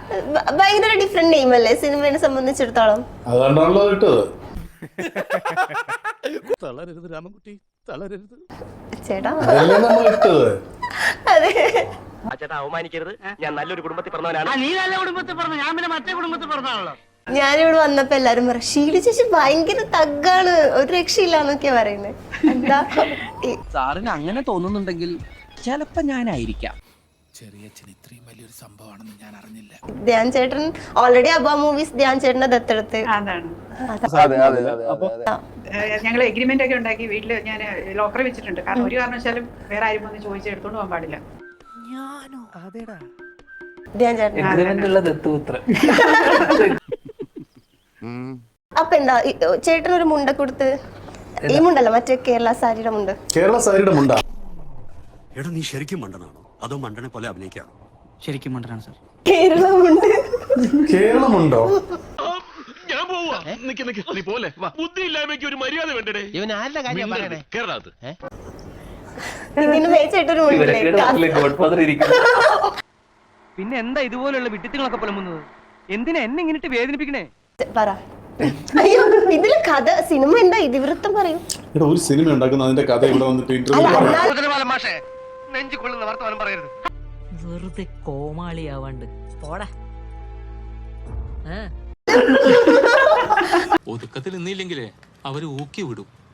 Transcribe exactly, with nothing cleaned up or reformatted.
ഭയങ്കര different name അല്ലേ സിനിമയെ സംബന്ധിച്ചിടത്തോളം? അതുകൊണ്ടാണല്ലോ ഇട്ടത്. തളരരുത് രാമൻകുട്ടി, തളരരുത് ചേട്ടാ. അതല്ലേ നമ്മൾ ഇട്ടത്. അതെ. ചേട്ടാ അവമാനിക്കരുത്, ഞാൻ നല്ലൊരു കുടുംബത്തിൽ പറഞ്ഞവനാണ്. നീ നല്ല കുടുംബത്തിൽ പറഞ്ഞു, ഞാൻ പിന്നെ മറ്റേ കുടുംബത്തിൽ പറഞ്ഞാണല്ലോ. ഞാനിവിടെ വന്നപ്പോ എല്ലാരും പറയും ഷീല ചേച്ചി ഭയങ്കര തഗ്ഗാണ്, ഒരു രക്ഷയില്ലാന്നൊക്കെയാ പറയുന്നത്. എന്താ സാറിന് അങ്ങനെ തോന്നുന്നുണ്ടെങ്കിൽ ചിലപ്പോ ഞാനായിരിക്കാം. ചെറിയച്ഛൻ ഇത്രയും വലിയൊരു സംഭവമാണെന്ന് ഞാൻ അറിഞ്ഞില്ല. ധ്യാൻ ചേട്ടൻ ഓൾറെഡി അബ മൂവീസ് ധ്യാൻ ചേട്ടന്റെ ദത്തെടുത്ത് അതാണ് ഞങ്ങൾ എഗ്രിമെന്റ് ഒക്കെ ഉണ്ടാക്കി വീട്ടില് ഞാൻ ലോക്കറി വെച്ചിട്ടുണ്ട്. കാരണം ഒരു കാരണവശാലും വേറെ ആരും വന്ന് ചോദിച്ച് എടുത്തോണ്ട് പോകാൻ പാടില്ല. ധ്യാൻ ചേട്ടൻ അപ്പൊ എന്താ ചേട്ടൻ ഒരു മുണ്ട കൊടുത്ത്, ഈ മുണ്ടല്ല മറ്റേ കേരള സാരിയുടെ മുണ്ട്. കേരള സാരിയുടെ മുണ്ട. എടാ നീ ശരിക്കും മണ്ടനാണോ അതോ മണ്ടനെ പോലെ അഭിനയിക്കാണോ? ശരിക്കും മണ്ടനാണ് സാർ. കേരള മുണ്ട്. കേരളമുണ്ടോ? ഞാൻ പോവാ. നിക്ക് നിക്ക്, നീ പോലെ ബുദ്ധി ഇല്ലായ്മയ്ക്ക് ഒരു മര്യാദ വേണ്ടേ? ഇവൻ ആരുടെ കാര്യം പറയണേ? കേരളത്ത് ഇതിന് ചേട്ടൊരു മുണ്ടില്ലേ? പിന്നെ എന്താ ഇതുപോലുള്ള വിഡിത്തങ്ങളൊക്കെ പുലമ്പുന്നത്? എന്തിനാ എന്നെ ഇങ്ങനെ വേദനിപ്പിക്കണേ? പറ. അയ്യോ ഇതില് കഥ സിനിമ എന്താ ഇതിവൃത്തം പറയും. എടാ ഒരു സിനിമ ഉണ്ടാക്കുന്ന അതിന്റെ കഥ ഇവിടെ വന്നിട്ട് ഇന്റർവ്യൂ വെറുതെ കോമാളിയാവാണ്ട് പോടാ. ഒതുക്കത്തിൽ നിന്നില്ലെങ്കിലേ അവര് ഊക്കി വിടും.